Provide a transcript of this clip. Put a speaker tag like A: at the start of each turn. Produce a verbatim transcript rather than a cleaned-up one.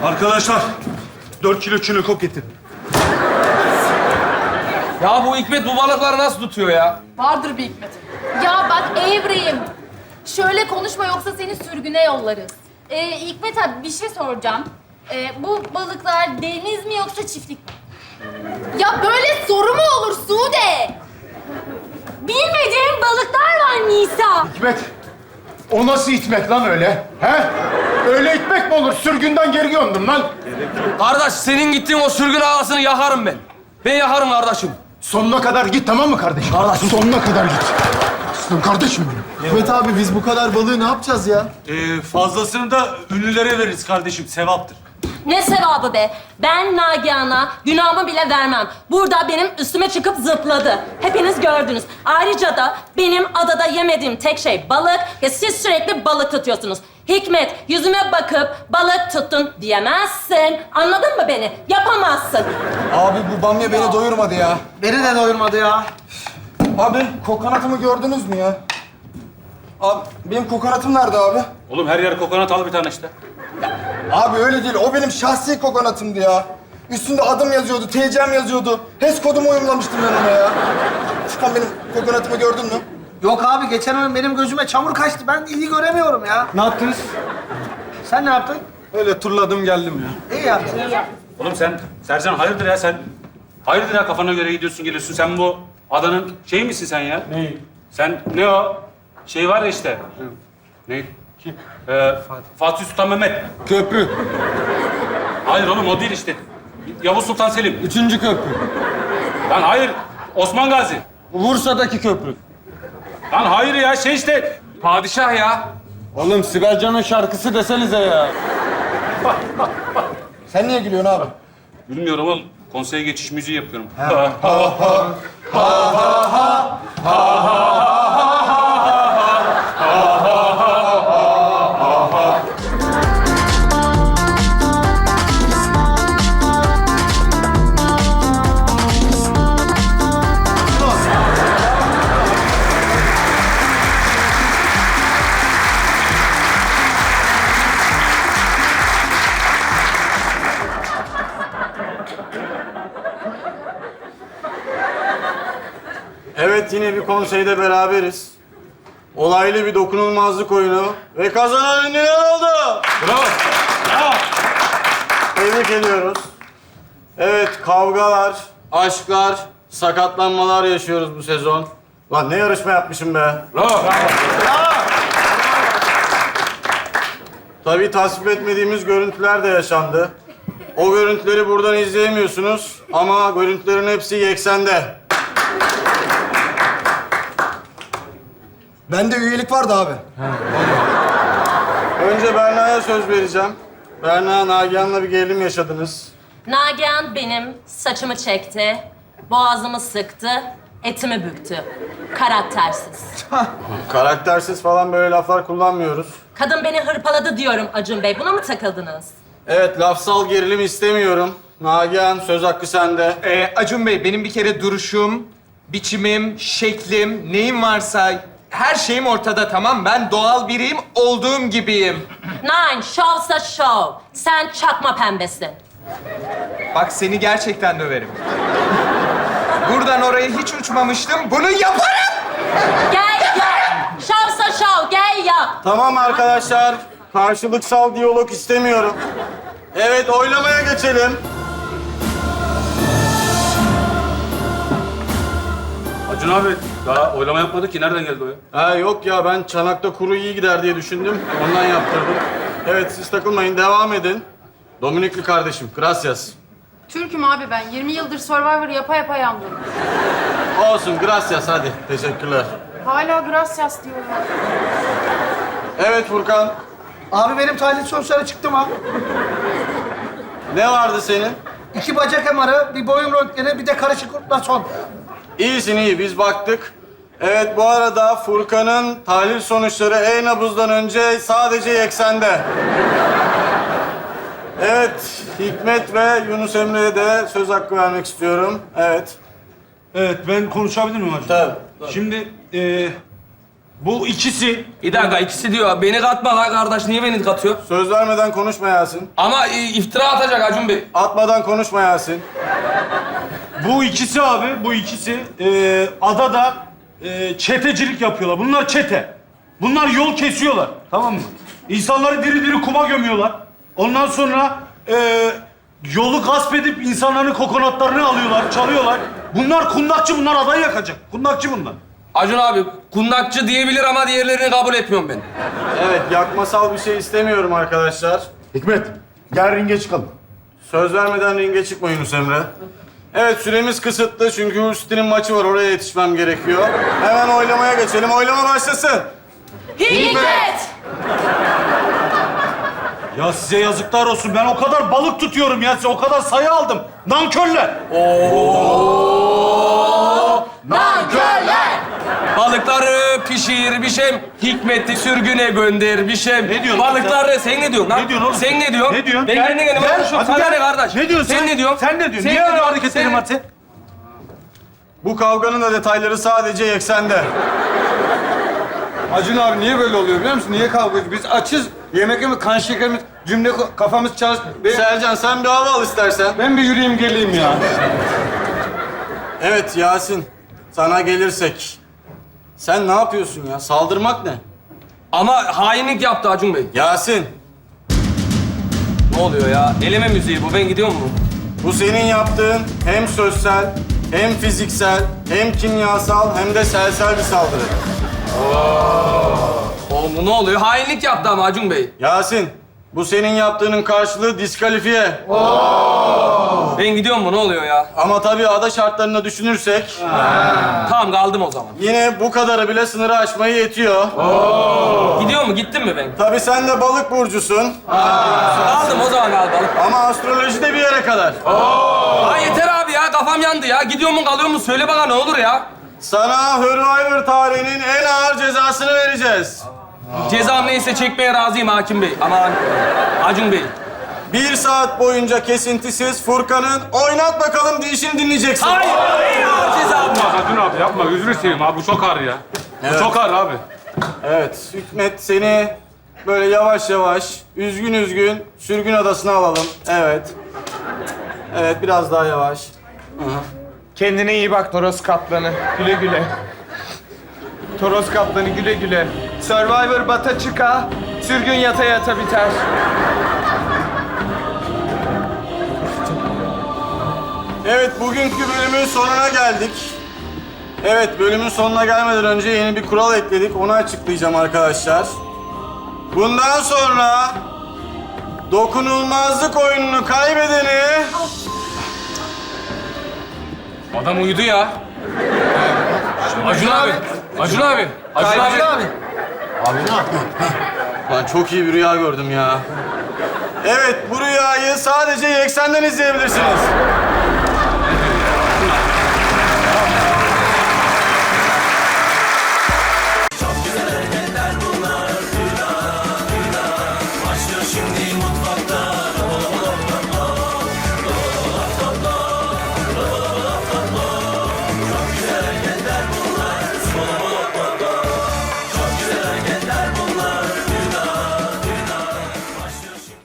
A: Arkadaşlar, dört kilo çinekop getirin.
B: Ya bu Hikmet bu balıkları nasıl tutuyor ya?
C: Vardır bir hikmeti.
D: Ya bak Evrim, şöyle konuşma yoksa seni sürgüne yollarız. Ee, Hikmet abi bir şey soracağım. Ee, bu balıklar deniz mi yoksa çiftlik mi? Ya böyle soru mu olur Sude? Bilmediğim balıklar var Nisa.
E: Hikmet, o nasıl itmek lan öyle? He? Öyle itmek mi olur? Sürgünden geri gömdüm lan.
B: Kardeş senin gittiğin o sürgün ağasını yakarım ben. Ben yakarım kardeşim.
E: Sonuna kadar git, tamam mı kardeşim?
B: Kardeşim.
E: Sonuna kadar git. Aslan kardeşim benim.
F: Hikmet abi biz bu kadar balığı ne yapacağız ya?
A: Ee, fazlasını da ünlülere veririz kardeşim, sevaptır.
G: Ne sevabı be? Ben Nagihan'a günahımı bile vermem. Burada benim üstüme çıkıp zıpladı. Hepiniz gördünüz. Ayrıca da benim adada yemediğim tek şey balık ve siz sürekli balık tutuyorsunuz. Hikmet, yüzüme bakıp balık tuttun diyemezsin. Anladın mı beni? Yapamazsın.
F: Abi bu bamya beni doyurmadı ya.
H: Beni de doyurmadı ya.
F: Abi kokonatımı gördünüz mü ya? Abi benim kokonatım nerede abi?
A: Oğlum her yer kokonat al bir tane işte.
F: Abi öyle değil. O benim şahsi kokonatımdı ya. Üstünde adım yazıyordu, T C'm yazıyordu. H E S kodumu uyumlamıştım ben ona ya. Furkan benim kokonatımı gördün mü?
H: Yok abi geçen gün benim gözüme çamur kaçtı. Ben iyi göremiyorum ya.
F: Ne yaptınız?
H: Sen ne yaptın?
F: Öyle turladım geldim ya.
H: İyi yaptın.
A: Oğlum sen, Sercan hayırdır ya sen? Hayırdır ya kafana göre gidiyorsun geliyorsun. Sen bu adanın şeyi misin sen ya?
F: Neyi?
A: Sen ne o? Şey var ya işte. Ne? Kim? Ee, Fatih Sultan Mehmet.
F: Köprü.
A: Hayır oğlum o değil işte. Yavuz Sultan Selim.
F: Üçüncü köprü.
A: Lan hayır. Osman Gazi.
F: Bursa'daki köprü.
A: Lan hayır ya şey işte.
B: Padişah ya.
F: Oğlum Sibel Can'ın şarkısı desenize ya. Sen niye gülüyorsun abi?
A: Bilmiyorum oğlum. Konseye geçiş müziği yapıyorum.
I: Evet, yine bir konseyde beraberiz. Olaylı bir dokunulmazlık oyunu ve kazanan ünlüler oldu.
A: Bravo. Bravo.
I: Tebrik ediyoruz. Evet, kavgalar, aşklar, sakatlanmalar yaşıyoruz bu sezon. Lan ne yarışma yapmışım be.
A: Bravo.
I: Tabii tasvip etmediğimiz görüntüler de yaşandı. O görüntüleri buradan izleyemiyorsunuz ama görüntülerin hepsi Yeksen'de.
F: Bende üyelik vardı abi.
I: Önce Berna'ya söz vereceğim. Berna, Nagihan'la bir gerilim yaşadınız.
G: Nagihan benim saçımı çekti, boğazımı sıktı, etimi büktü. Karaktersiz.
I: Karaktersiz falan böyle laflar kullanmıyoruz.
G: Kadın beni hırpaladı diyorum Acun Bey. Buna mı takıldınız?
I: Evet, lafsal gerilim istemiyorum. Nagihan, söz hakkı sende.
J: Ee, Acun Bey, benim bir kere duruşum, biçimim, şeklim, neyim varsa her şeyim ortada, tamam. Ben doğal biriyim, olduğum gibiyim.
G: Nine, şovsa şov. Sen çakma pembesin.
J: Bak seni gerçekten döverim. Buradan oraya hiç uçmamıştım, bunu yaparım!
G: Gel yap. Şovsa şov, gel yap.
I: Tamam arkadaşlar, karşılıksal diyalog istemiyorum. Evet, oylamaya geçelim.
A: Acun abi daha oylama yapmadık ki. Nereden geldi o ya?
I: Ha yok ya, ben çanakta kuru iyi gider diye düşündüm. Ondan yaptırdım. Evet, siz takılmayın, devam edin. Dominikli kardeşim, gracias.
C: Türk'üm abi ben. yirmi yıldır Survivor yapa yapa yandım.
I: Olsun, gracias hadi. Teşekkürler.
C: Hala gracias diyorlar.
I: Evet Furkan,
H: Abi benim tahlil sonuçları çıktı mı?
I: ne vardı senin?
H: İki bacak M R'ı, bir boyun röntgeni, bir de karışık ultrason.
I: İyisin iyi, biz baktık. Evet, bu arada Furkan'ın tahlil sonuçları e-nabızdan önce sadece Yeksen'de. Evet, Hikmet ve Yunus Emre'ye de söz hakkı vermek istiyorum. Evet.
A: Evet ben konuşabilir miyim hocam?
I: Tabii.
A: Şimdi e, Bu ikisi.
B: Bir dakika ikisi diyor. Beni katma lan kardeş. Niye beni katıyor?
I: Söz vermeden konuşma Yasin.
B: Ama e, iftira atacak Acun Bey.
I: Atmadan konuşma Yasin.
A: Bu ikisi abi, bu ikisi e, adada e, çetecilik yapıyorlar. Bunlar çete. Bunlar yol kesiyorlar, tamam mı? İnsanları diri diri kuma gömüyorlar. Ondan sonra e, yolu gasp edip insanların kokonatlarını alıyorlar, çalıyorlar. Bunlar kundakçı, bunlar adayı yakacak. Kundakçı bunlar.
B: Acun abi kundakçı diyebilir ama diğerlerini kabul etmiyorum ben.
I: Evet, yakmasal bir şey istemiyorum arkadaşlar.
E: Hikmet, gel ringe çıkalım.
I: Söz vermeden ringe çıkma Yunus Emre. Evet, süremiz kısıtlı çünkü Hüsnü'nün maçı var. Oraya yetişmem gerekiyor. Hemen oylamaya geçelim. Oylama başlasın.
G: Hikmet!
A: Ya size yazıklar olsun. Ben o kadar balık tutuyorum ya. Size o kadar sayı aldım. Nankörler.
B: Nankörler! Balıkları pişirmişim, Hikmet'i sürgüne göndermişim.
A: Ne diyorsun
B: Balıkları, sen ne diyorsun lan?
A: Ne diyorsun oğlum?
B: Sen ne diyorsun?
A: Ne diyorsun?
B: Ben
A: Gel,
B: kendi kendime
A: gel,
B: konuşuyorum.
A: hadi
B: Sana
A: gel.
B: ne kardeş?
A: Ne diyorsun
B: sen?
A: sen?
B: ne diyorsun?
A: Sen ne diyorsun?
B: Sen
A: Niye
B: ne
A: öyle
B: diyorsun?
A: hareketlerin
B: Sen-
A: var senin?
I: Bu kavganın da detayları sadece Yeksen'de.
F: Acun abi niye böyle oluyor biliyor musun? Niye kavga ediyoruz? Biz açız. Yemek yemek, kan şekerimiz, cümle ko- kafamız çalış. Ben,
I: Sercan sen bir hava al istersen.
F: ben bir yürüyeyim geleyim ya.
I: Evet Yasin, sana gelirsek. Sen ne yapıyorsun ya? Saldırmak ne?
B: Ama hainlik yaptı Acun Bey.
I: Yasin,
B: Ne oluyor ya? Eleme müziği bu. Ben gidiyor mu?
I: bu senin yaptığın hem sözsel, hem fiziksel, hem kimyasal, hem de selsel bir saldırı.
B: Oğlum bu ne oluyor? Hainlik yaptı ama Acun Bey.
I: Yasin, bu senin yaptığının karşılığı diskalifiye.
B: Ben gidiyor mu? Ne oluyor ya?
I: Ama tabii ada şartlarını düşünürsek,
B: Tamam kaldım o zaman.
I: yine bu kadarı bile sınırı aşmayı yetiyor.
B: Gidiyor mu? Gittim mi ben?
I: Tabii sen de balık burcusun
B: Kaldım o zaman kaldım.
I: ama astroloji de bir yere kadar.
B: Ha yeter abi ya. Kafam yandı ya. Gidiyor mu kalıyor mu? Söyle bana ne olur ya.
I: Sana Survivor tarihinin en ağır cezasını vereceğiz.
B: Cezam neyse çekmeye razıyım Hakim Bey. Aman Acun Bey.
I: Bir saat boyunca kesintisiz Furkan'ın oynat bakalım deyişini dinleyeceksin.
B: Hayır, hayır cezam.
A: Acun abi yapma. Gözünü seveyim abi. Bu çok ağır ya.
I: Evet.
A: Bu çok ağır abi.
I: Evet, Hikmet seni böyle yavaş yavaş, üzgün üzgün sürgün adasına alalım. Evet. Evet, biraz daha yavaş.
J: Kendine iyi bak Toros Kaplanı. Güle güle. Toros Kaplanı güle güle. Survivor bata çıka, sürgün yata yata biter.
I: Evet, bugünkü bölümün sonuna geldik. Evet, bölümün sonuna gelmeden önce yeni bir kural ekledik. Onu açıklayacağım arkadaşlar. Bundan sonra dokunulmazlık oyununu kaybedeni
B: Adam uyudu ya. Acun abi. Acun abi. Acun abi.
J: abi.
I: Lan çok iyi bir rüya gördüm ya. Evet, bu rüyayı sadece Yeksen'den izleyebilirsiniz.